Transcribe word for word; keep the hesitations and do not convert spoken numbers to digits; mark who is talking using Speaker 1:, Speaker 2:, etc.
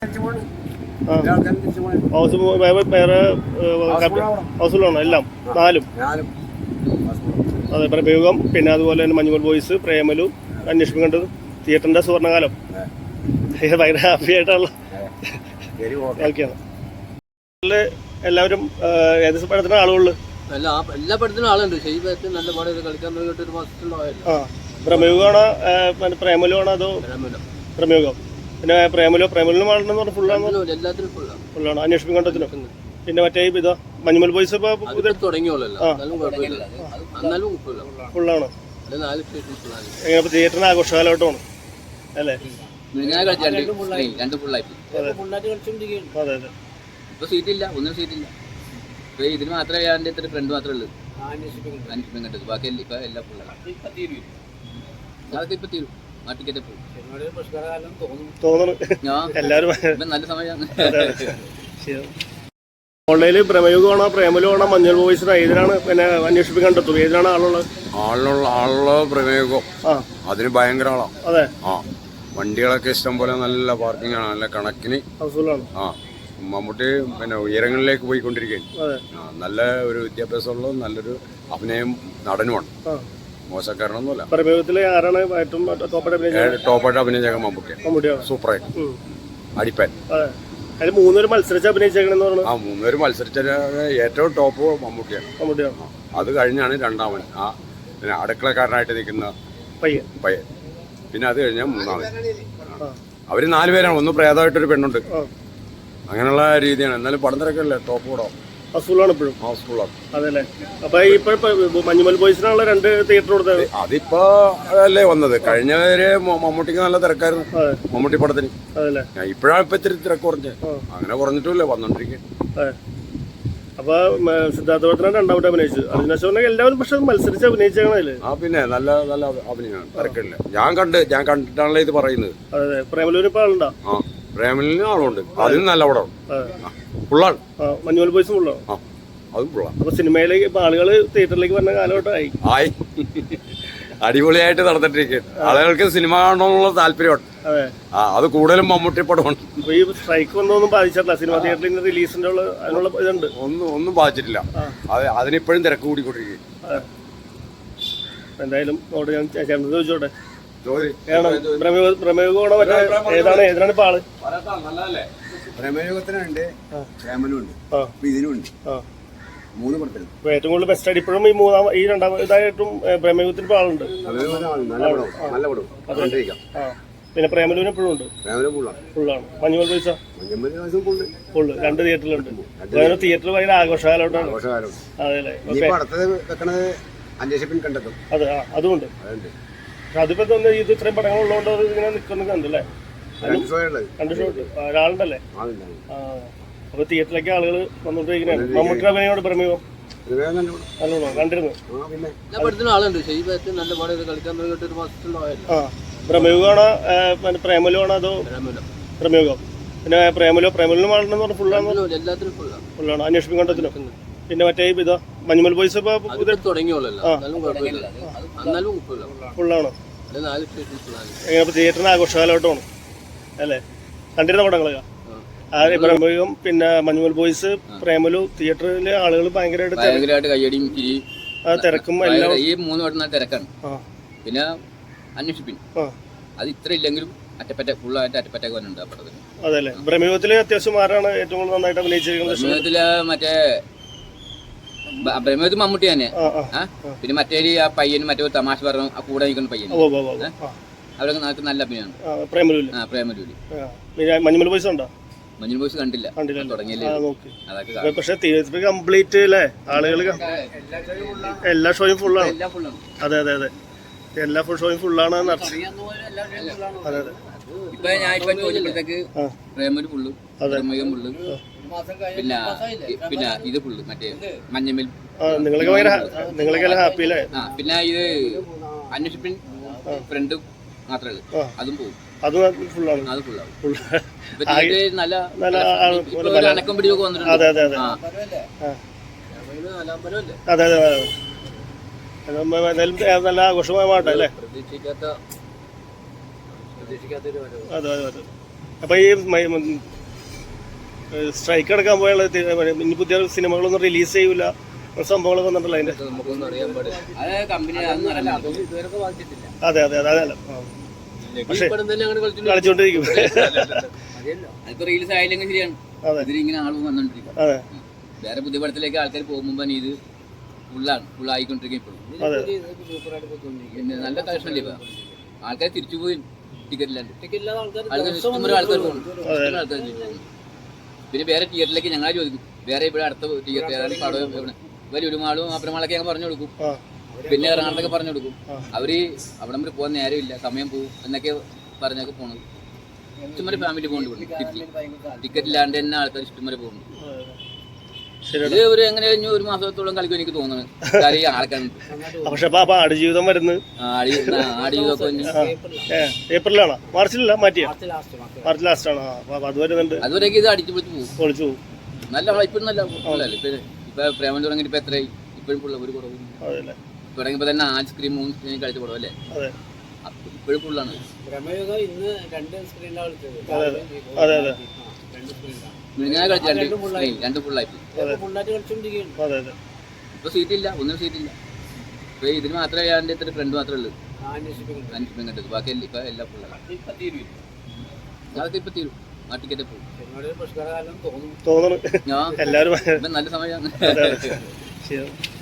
Speaker 1: വേറെ ഹൗസ്ഫുള്ളാണോ എല്ലാം നാലും? അതെ, പ്രയോഗം പിന്നെ അതുപോലെ തന്നെ മഞ്ഞുമൽ ബോയ്സ്, പ്രേമലു, അന്വേഷിപ്പിക്കേണ്ടത്, തിയേറ്ററിന്റെ സുവർണ്ണകാലം. ഭയങ്കര ഹാപ്പി ആയിട്ടുള്ള ഓക്കെയാണ്. എല്ലാവരും ഏത് പടത്തിന് ആളുകളിൽ
Speaker 2: എല്ലാ പടത്തിനും ആളുണ്ട്. നല്ല പടം കളിക്കാൻ
Speaker 1: ആ പ്രമേയമാണോ പ്രേമലുമാണോ അതോ പ്രമേയം? പിന്നെ പ്രേമലോ പ്രേമലിനും ആളുണ്ടെന്ന് പറഞ്ഞാൽ ഫുള്ളാണ്,
Speaker 2: എല്ലാത്തിനും
Speaker 1: ഫുള്ളാണ്. അന്വേഷിപ്പിക്കേണ്ടതിനും പിന്നെ മറ്റേ ഇതാ മഞ്ഞുമൽ ബോയ്സ് ഫുള്ളാണ്. എങ്ങനെ തിയേറ്ററിന് ആഘോഷകാലഘട്ടമാണ് അല്ലേ? അതെ അതെ.
Speaker 2: ഇപ്പൊ സീറ്റില്ല, ഒന്നും സീറ്റില്ല. ഇപ്പൊ ഇതിന് മാത്രമേ ഞാൻ എത്ര ഫ്രണ്ട് മാത്രമേ ഉള്ളൂ അന്വേഷിപ്പിക്കാൻ കണ്ടത്. ബാക്കി ഇപ്പൊ എല്ലാം ഫുള്ളാണ്. അതൊക്കെ ഇപ്പൊ തീരും. ആ ടിക്കറ്റ്
Speaker 1: തോന്നുന്നു എല്ലാവരും
Speaker 2: നല്ല സമയമാണ്.
Speaker 1: ഓൺലൈനിൽ പ്രമേയമാണോ പ്രേമലുമാണോ മഞ്ഞൾ ബോയ്സിനോ ഏതിനാണ് പിന്നെ അന്വേഷിപ്പിക്കേണ്ടത്? ഏതിനാണ് ആളുള്ളത്?
Speaker 3: ആളുള്ള ആളുള്ള പ്രമേയകം അതിന് ഭയങ്കര ആളാണ്.
Speaker 1: അതെ.
Speaker 3: ആ വണ്ടികളൊക്കെ ഇഷ്ടം പോലെ നല്ല പാർക്കിംഗ് ആണ്, നല്ല കണക്കിന്. ആ മമ്മൂട്ടി പിന്നെ ഉയരങ്ങളിലേക്ക് പോയിക്കൊണ്ടിരിക്കുകയാണ്. നല്ല ഒരു വിദ്യാഭ്യാസമുള്ള നല്ലൊരു അഭിനയം നടനുമാണ്. മോശക്കാരനൊന്നുമല്ല.
Speaker 1: പ്രമേയത്തില് ആരാണ് ഏറ്റവും
Speaker 3: ടോപ്പായിട്ട് അഭിനയിച്ച മമ്മൂട്ടി? സൂപ്പറായിട്ട് അടിപ്പാൻ.
Speaker 1: അതിൽ മൂന്നുപേര് മത്സരിച്ച് അഭിനയിച്ചേക്കണെന്ന് പറഞ്ഞു.
Speaker 3: ആ മൂന്നുപേര് മത്സരിച്ച ഏറ്റവും ടോപ്പ് മമ്മൂട്ടിയാണ്.
Speaker 1: മമ്മൂട്ടിയാണ്.
Speaker 3: അത് കഴിഞ്ഞാണ് രണ്ടാമൻ ആ പിന്നെ അടുക്കളക്കാരനായിട്ട് നിൽക്കുന്ന
Speaker 1: പയ്യൻ
Speaker 3: പയ്യൻ പിന്നെ അത് കഴിഞ്ഞാൽ മൂന്നാമൻ. അവര് നാലുപേരാണ്. ഒന്ന് പ്രേതമായിട്ടൊരു പെണ്ണുണ്ട്. അങ്ങനെയുള്ള രീതിയാണ്. എന്നാലും പടം തിരക്കല്ലേ, ടോപ്പ് കൂടാം.
Speaker 1: ഹൗസ്ഫുള്ളാണ് ഇപ്പോഴും.
Speaker 3: ഹൗസ്ഫുള്ളാണ്.
Speaker 1: അതല്ലേ. അപ്പൊ ഇപ്പൊ മഞ്ഞുമൽ ബോയ്സിനുള്ള രണ്ട് തിയേറ്റർ കൊടുത്തത്
Speaker 3: അതിപ്പോ അല്ലേ വന്നത്. കഴിഞ്ഞവര് മമ്മൂട്ടിക്ക് നല്ല തിരക്കായിരുന്നു മമ്മൂട്ടി പടത്തിന്.
Speaker 1: അതല്ലേ.
Speaker 3: ഇപ്പോഴാണ് ഇപ്പൊ ഇത്തിരി തിരക്ക് കുറഞ്ഞത്. അങ്ങനെ കുറഞ്ഞിട്ടില്ല, വന്നോണ്ടിരിക്കും.
Speaker 1: അപ്പൊ സിദ്ധാർത്ഥ രണ്ടാമത്തെ അഭിനയിച്ചു. അതിനുശേഷം എല്ലാവരും പക്ഷെ മത്സരിച്ച് അഭിനയിച്ചേക്കണല്ലേ?
Speaker 3: ആ പിന്നെ നല്ല നല്ല അഭിനയമാണ്, തിരക്കില്ല. ഞാൻ കണ്ട് ഞാൻ കണ്ടിട്ടാണല്ലോ ഇത് പറയുന്നത്.
Speaker 1: അതെ. പ്രേമലൂര് ഇപ്പൊ ആളുണ്ടോ?
Speaker 3: ആ പ്രേമലിന് ആളുണ്ട്. അതിന് നല്ല പടമാണ്, ഫുള്ളാണ്.
Speaker 1: മഞ്ഞുമൽ ബോയ്സും ഫുള്ളാണ്.
Speaker 3: ആ അതും ഫുള്ളാണ്.
Speaker 1: അപ്പൊ സിനിമയിലേക്ക് ഇപ്പൊ ആളുകള് തിയേറ്ററിലേക്ക് വരുന്ന കാലഘട്ടമായി
Speaker 3: ആയി അടിപൊളിയായിട്ട് നടന്നിട്ടിരിക്കും. ആളുകൾക്ക് സിനിമ കാണണമെന്നുള്ള താല്പര്യമാണ്. ആ അത് കൂടുതലും മമ്മൂട്ടി പടമാണ്.
Speaker 1: ഈ സ്ട്രൈക്ക് ഒന്നും ബാധിച്ചിട്ടില്ല സിനിമ തിയേറ്ററിൽ റിലീസിന്റെ അതിനുള്ള ഇതുണ്ട്? ഒന്നും
Speaker 3: ഒന്നും ബാധിച്ചിട്ടില്ല. അത് അതിനിപ്പോഴും തിരക്ക് കൂടിക്കൊണ്ടിരിക്കും.
Speaker 1: എന്തായാലും ഞാൻ ചോദിച്ചോട്ടെ, പ്രമേയമാണോ മറ്റേ ഏതാണ് ഏതാണ് ഇപ്പൊ ആള്?
Speaker 4: പ്രമേയത്തിനുണ്ട്, പ്രേമലുണ്ട്, ഇതിനുണ്ട്. മൂന്ന് പടത്തിൽ
Speaker 1: ഏറ്റവും കൂടുതൽ ബെസ്റ്റ് ആയിട്ട് ഇപ്പോഴും ഈ മൂന്നാം ഈ രണ്ടാം ഇതായിട്ടും പ്രമേയത്തിന് ഇപ്പൊ ആളുണ്ട്. പിന്നെ പ്രേമലുവിന് എപ്പോഴും ഉണ്ട്, ഫുള്ളാണ്. മഞ്ഞുമൽ ബോയ്സ് ഫുള്ള് രണ്ട് തിയേറ്ററിലുണ്ട്. അതായത് തിയേറ്റർ ഭയങ്കര ആഘോഷകാലോട്ടാണ്. അതെ. അതെ, അതുകൊണ്ട് അതിപ്പോ ഇത് ഇത്രയും പടങ്ങൾ ഉള്ളതുകൊണ്ട് ഇങ്ങനെ നിൽക്കുന്ന കണ്ടല്ലേ? രണ്ട് ഷോ ഒരാളുണ്ടല്ലേ? അപ്പൊ തിയേറ്ററിലേക്ക് ആളുകൾ വന്നോണ്ടിരിക്കുന്നതാണ്. മമ്മൂട്ടി അഭിനയോട് പ്രമേയം നല്ലോണോ കണ്ടിരുന്നു? ആ പ്രമേയമാണോ പ്രേമലുമാണോ അതോ പ്രമേയം? പിന്നെ പ്രേമലോ പ്രേമലിനും ആളുണ്ടെന്ന് പറഞ്ഞാൽ ഫുള്ളാണ്, ഫുള്ളാണ്. അന്വേഷിപ്പിക്കേണ്ടതിനും പിന്നെ മറ്റേ ഇതാ മഞ്ഞുമൽ ബോയ്സ് ഫുള്ളാണ്. എങ്ങനെ തിയേറ്ററിന് ആഘോഷകാലഘട്ടമാണ് അല്ലേ? കണ്ടിരുന്ന പടങ്ങളൊക്കെ പ്രമേയം പിന്നെ മഞ്ഞുമൽ ബോയ്സ്, പ്രേമലു തിയേറ്ററിലെ ആളുകൾ ഭയങ്കരമായിട്ട്
Speaker 2: കയ്യടിയും
Speaker 1: തിരക്കും എല്ലാം.
Speaker 2: ഈ മൂന്ന് പടം തിരക്കാണ്. പിന്നെ അന്വേഷിപ്പിൻ അത് ഇത്ര ഇല്ലെങ്കിലും അറ്റപ്പറ്റ ഫുള്ളായിട്ട് അറ്റപ്പറ്റൊക്കെ വന്നിട്ടുണ്ട് ആ പടത്തിന്.
Speaker 1: അതല്ലേ. പ്രമേയത്തില് അത്യാവശ്യം ആരാണ് ഏറ്റവും കൂടുതൽ നന്നായിട്ട് അഭിനയിച്ചിരിക്കുന്നത്?
Speaker 2: പ്രമേയത്തില് മറ്റേ പ്രമേയത്തിൽ മമ്മൂട്ടി തന്നെ. പിന്നെ മറ്റേ ആ പയ്യനും മറ്റേ തമാശ പറഞ്ഞു ആ കൂടെ നിൽക്കുന്ന പയ്യൻ, അവരൊക്കെ നമുക്ക് നല്ല അഭിനയമാണ്. ആ പ്രേമലൂര്.
Speaker 1: മഞ്ഞുമൽ ബോയ്സ് ഉണ്ടോ?
Speaker 2: മഞ്ഞുമൽ ബോയ്സ് കണ്ടില്ല, തുടങ്ങിയല്ലേ.
Speaker 1: പക്ഷെ തിയേറ്റർ കംപ്ലീറ്റ് അല്ലേ? ആളുകൾ എല്ലാ ഷോയും ഫുള്ളാണ്. അതെ അതെ അതെ, എല്ലാ ഫുൾ ഷോയും ഫുള്ളാണ്. അതെ അതെ.
Speaker 2: ഇപ്പൊ ഞാൻ ഇപ്പൊ ചോദിച്ചപ്പോഴത്തേക്ക് പ്രേമലു ഫുള്ള്, പ്രമേയം ഫുള്ള്, പിന്നെ പിന്നെ ഇത് ഫുള്ള് മറ്റേ മഞ്ഞമൽ.
Speaker 1: നിങ്ങളൊക്കെ ഭയങ്കര നിങ്ങളൊക്കെ ഹാപ്പി അല്ലേ?
Speaker 2: ആ പിന്നെ ഇത് അന്വേഷിപ്പിൻ ഫ്രണ്ട് മാത്രമേ ഉള്ളൂ, അതും പോകും.
Speaker 1: അത് ഫുള്ളാണ്.
Speaker 2: അത് ഫുള്ളാവും.
Speaker 1: നല്ല
Speaker 2: നല്ല അനക്കം പിടിയൊക്കെ വന്നിട്ടുണ്ട്.
Speaker 1: അതെ അതെ അതെ അതെ അതെ. എന്തായാലും നല്ല ആഘോഷമായ മാട്ടല്ലേ?
Speaker 2: പ്രതീക്ഷിക്കാത്ത പ്രതീക്ഷിക്കാത്തൊരു
Speaker 1: അതെ അതെ അതെ. അപ്പൊ ഈ സ്ട്രൈക്ക് അടക്കാൻ പോയുള്ള ഇനി പുതിയ സിനിമകളൊന്നും റിലീസ് ചെയ്യൂല സംഭവങ്ങളൊക്കെ വന്നിട്ടല്ലോ അതിന്റെ.
Speaker 2: നമുക്കൊന്നും അറിയാൻ പാടില്ല. അത് കമ്പനി ഇതുവരെ ബാധിച്ചിട്ടില്ല.
Speaker 1: അതെ അതെ അതെ അതെ. പക്ഷെ കളിച്ചോണ്ടിരിക്കും.
Speaker 2: അതിപ്പോ റീൽസ് ആയില്ലെങ്കിൽ ശരിയാണ്. ഇതിലിങ്ങനെ ആളും വന്നോണ്ടിരിക്കും.
Speaker 1: അതെ.
Speaker 2: വേറെ പുതിയ പടത്തിലേക്ക് ആൾക്കാർ പോകുമ്പോ ഇത് ഫുള്ളാണ് ഫുള്ളായിക്കൊണ്ടിരിക്കും ഇപ്പോഴും. പിന്നെ നല്ല കളക്ഷൻ ഇല്ല. ആൾക്കാർ തിരിച്ചു പോയി ടിക്കറ്റ് ഇല്ലാണ്ട്. ആൾക്കാർ ഇഷ്ടംപോലെ ആൾക്കാർ പോകുന്നു. ആൾക്കാർ പിന്നെ വേറെ തിയേറ്ററിലേക്ക് ഞങ്ങളെ ചോദിക്കും, വേറെ ഇവിടെ അടുത്ത തിയേറ്റർ ഏതാണ് പടം എവിടെ വലിയ ഒരു മാളും അപ്പുറമാളൊക്കെ ഞങ്ങൾ പറഞ്ഞു കൊടുക്കും. പിന്നെ ഇറങ്ങാനൊക്കെ പറഞ്ഞു കൊടുക്കും. അവര് അവിടെ വരെ പോകാൻ നേരമില്ല, സമയം പോകും എന്നൊക്കെ പറഞ്ഞൊക്കെ പോണത്. ഇഷ്ടംപോലെ ഫാമിലി പോകുന്നുണ്ട്. ടിക്കറ്റ് ഇല്ലാണ്ട് തന്നെ ആൾക്കാർ ഇഷ്ടംപോലെ പോകുന്നു. ഇത് ഒരു എങ്ങനെ കഴിഞ്ഞു ഒരു മാസത്തോളം കളിക്കും എനിക്ക് തോന്നുന്നു. കാര്യം ആൾക്കാരുണ്ട്.
Speaker 1: പക്ഷെ ആടുജീവിതം വരുന്നത്
Speaker 2: ആടുജീവിതമൊക്കെ
Speaker 1: ഏപ്രിലാണോ മാർച്ചിലല്ല മാറ്റിയ മാർച്ച് ലാസ്റ്റ് ആണോ? അത് വരുന്നുണ്ട്.
Speaker 2: അതുവരെയൊക്കെ ഇത് അടിച്ചു പൊളിച്ച് പോകും.
Speaker 1: പൊളിച്ചു പോകും.
Speaker 2: നല്ല ഇപ്പോഴും നല്ല അല്ലേ. ഇപ്പൊ ഇപ്പൊ പ്രേമം തുടങ്ങിയിട്ട് ഇപ്പൊ എത്രയായി? ഇപ്പോഴും ഫുള്ള ഒരു കുറവും തുടങ്ങിയപ്പോ തന്നെ ആഞ്ച് സ്ക്രീൻ മൂന്ന് സ്ക്രീൻ കളിച്ച പടം അല്ലേ. ഇപ്പോഴും ഫുള്ളാണ്.
Speaker 1: അതെ അതെ
Speaker 2: ഞാൻ കളിച്ച രണ്ട് സ്ക്രീൻ രണ്ട് ഫുള്ളായി. ഇപ്പൊ സീറ്റില്ല, ഒന്നും സീറ്റില്ല. ഇപ്പൊ ഇതിന് മാത്രമേ ഞാൻ ഇത്ര ഫ്രണ്ട് മാത്രമേ ഉള്ളൂ അന്വേഷിപ്പം കണ്ടത്. ബാക്കി ഇപ്പൊ എല്ലാം ഫുള്ളാണ്. അതൊക്കെ ഇപ്പൊ തീരും. ആ ടിക്കറ്റ് പോകും
Speaker 1: തോന്നുന്നു.
Speaker 2: നല്ല സമയമാണ്.